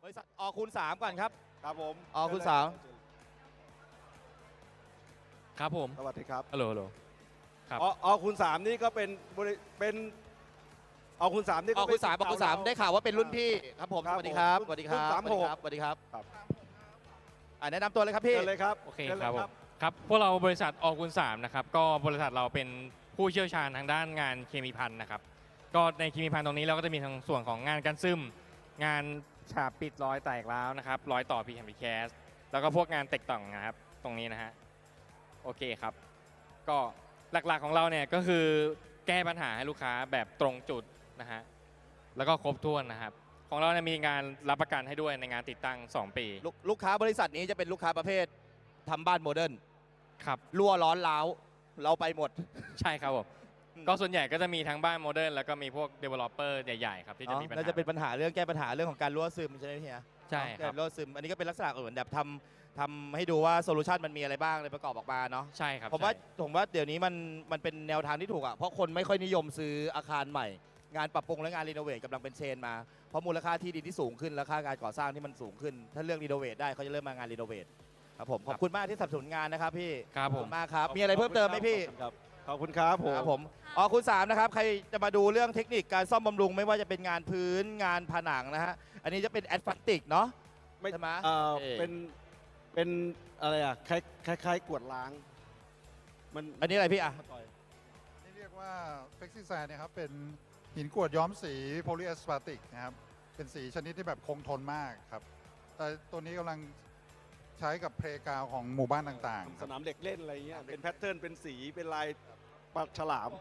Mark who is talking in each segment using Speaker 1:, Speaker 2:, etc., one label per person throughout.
Speaker 1: ริษัทอคูณ3ก่อนครับ
Speaker 2: ครับผม
Speaker 1: อคูณ3
Speaker 3: ครับผม
Speaker 2: สวัสดีครับ
Speaker 3: ฮัลโหลฮัลโหล ครับ
Speaker 2: อคูณ3นี่ก็เป็นอคูณ3นี่
Speaker 1: อ
Speaker 2: ก็
Speaker 1: คูณ3อคูณ3ได้ข่าวว่าเป็นรุ่นพี่ครับผม
Speaker 2: ครั
Speaker 1: ส
Speaker 2: บ
Speaker 1: วัสดีครับ
Speaker 2: ผม
Speaker 1: สวัสดีครับ
Speaker 2: รุ่น36
Speaker 1: สวัสดีครับ
Speaker 2: ครับ
Speaker 1: แนะนำตัวเลยครับพี่
Speaker 2: เชิญเลยครับ
Speaker 3: โอเค
Speaker 2: ชิญลย
Speaker 3: ครับผมครับพวกเราบริษัทอคูณ3นะครับก็บริษัทเราเป็นผู้เชี่ยวชาญทางด้านงานเคมีภัณฑ์นะครับก็ในเคมีภัณฑ์ตรงนี้เราก็จะมีทั้งส่วนของงานกันซึมงานฉาบปิดรอยแตกร้าวนะครับรอยต่อพีแคมพีแคสแล้วก็พวกงานเต็กต่องนะครับตรงนี้นะฮะโอเคครับก็หลักๆของเราเนี่ยก็คือแก้ปัญหาให้ลูกค้าแบบตรงจุดนะฮะแล้วก็ครบถ้วนนะครับของเราเนี่ยมีงานรับประกันให้ด้วยในงานติดตั้ง 2 ปี
Speaker 1: ลูกค้าบริษัทนี้จะเป็นลูกค้าประเภททำบ้านโมเดิร์น
Speaker 3: ครับ
Speaker 1: รั่วร้อนร้าวเราไปหมด
Speaker 3: ใช่ครับผม
Speaker 1: อืม
Speaker 3: ก็ส่วนใหญ่ก็จะมีทั้งบ้านโมเดิร์นแล้วก็มีพวก developer ใหญ่ๆครับที่จะมีปัญหา
Speaker 1: น่าจะเป็นปัญหาเรื่องแก้ปัญหาเรื่องของการรั่วซึมใช่ไหมเฮีย
Speaker 3: ใช่ครับ
Speaker 1: รั่วซึมอันนี้ก็เป็นลักษณะเหมือนแบบทำให้ดูว่าโซลูชันมันมีอะไรบ้างเลยประกอบออกมาเนาะ
Speaker 3: ใช่ครับ
Speaker 1: ผมว่า
Speaker 3: ใช่
Speaker 1: ผมว่าเดี๋ยวนี้มันเป็นแนวทางที่ถูกอ่ะเพราะคนไม่ค่อยนิยมซื้ออาคารใหม่ งานปรับปรุงและงานรีโนเวทกำลังเป็นเทรนด์มาเพราะมูลค่าที่ดินที่สูงขึ้นและค่าการก่อสร้างที่มันสูงขึ้น ถ้าเลือกรีโนเวทได้เขาจะเริ่มมางานรีโนเวทครับผมขอบคุณมากที่สนับสนุนงานนะครับพี่
Speaker 3: ครับ
Speaker 1: ขอบ
Speaker 3: ผม
Speaker 1: คุณมากครับมีอะไรเพิ่มเติมไหมพี่
Speaker 2: ขอบคุณครับผม
Speaker 1: ครับผมคุณ3นะครับใครจะมาดูเรื่องเทคนิคการซ่อมบำรุงไม่ว่าจะเป็นงานพื้นงานผนังนะฮะอันนี้จะเป็นแอดฟันติกเนาะ
Speaker 2: ไม่
Speaker 1: ใช่ไหม
Speaker 2: เป็นอะไรอ่ะคล้ายๆกวดล้างมัน
Speaker 1: อันนี้อะไรพี่อ่ะ
Speaker 4: นี่เรียกว่าเฟกซิแซนเนี่ยครับเป็นหินกรวดย้อมสีโพลีแอสปาติกนะครับเป็นสีชนิดที่แบบคงทนมากครับแต่ตัวนี้กำลังใช้กับเพลย์กราวของหมู่บ้านต่างๆค
Speaker 2: ส
Speaker 4: รับ
Speaker 2: นามเด็กเล่นอะไรเงี้ยเป็นแพทเทิร์นเป็นสีเป็นลายปลาฉลาม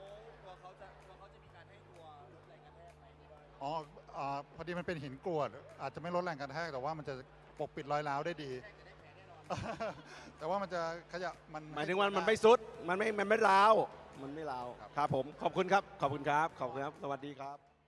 Speaker 4: อ๋อพอดีมันเป็นหินกรวด อาจจะไม่ลดแรงกระแทกแต่ว่ามันจะปกปิดรอยร้าวได้ดี แต่ว่ามันจะขยะมัน
Speaker 2: หมายถึงว่ามันไม่ซุดมันไม่ร้าวมันไม่ร้าวครับผมขอบคุณครับ ขอบคุณครับ ขอบคุณครับ สวัสดีครับ